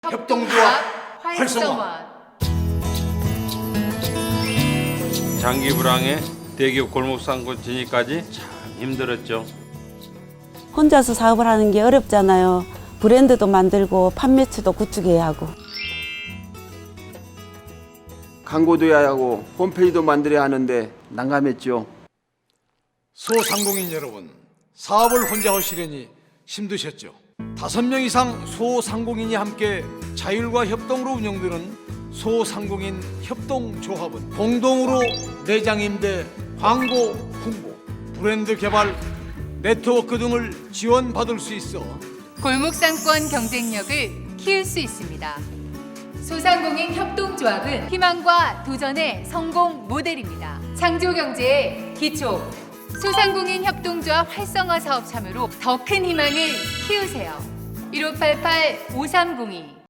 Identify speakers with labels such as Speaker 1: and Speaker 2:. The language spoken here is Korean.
Speaker 1: 협동조합 활성화.
Speaker 2: 장기 불황에 대기업 골목상권 진입까지 참 힘들었죠.
Speaker 3: 혼자서 사업을 하는 게 어렵잖아요. 브랜드도 만들고 판매처도 구축해야 하고.
Speaker 4: 광고도 해야 하고 홈페이지도 만들어야 하는데 난감했죠.
Speaker 1: 소상공인 여러분, 사업을 혼자 하시려니 힘드셨죠? 5명 이상 소상공인이 함께 자율과 협동으로 운영되는 소상공인 협동조합은 공동으로 매장 임대, 광고, 홍보, 브랜드 개발, 네트워크 등을 지원받을 수 있어
Speaker 5: 골목상권 경쟁력을 키울 수 있습니다. 소상공인 협동조합은 희망과 도전의 성공 모델입니다. 창조경제의 기초, 소상공인 협동조합 활성화 사업 참여로 더 큰 희망을 키우세요. 1588-5302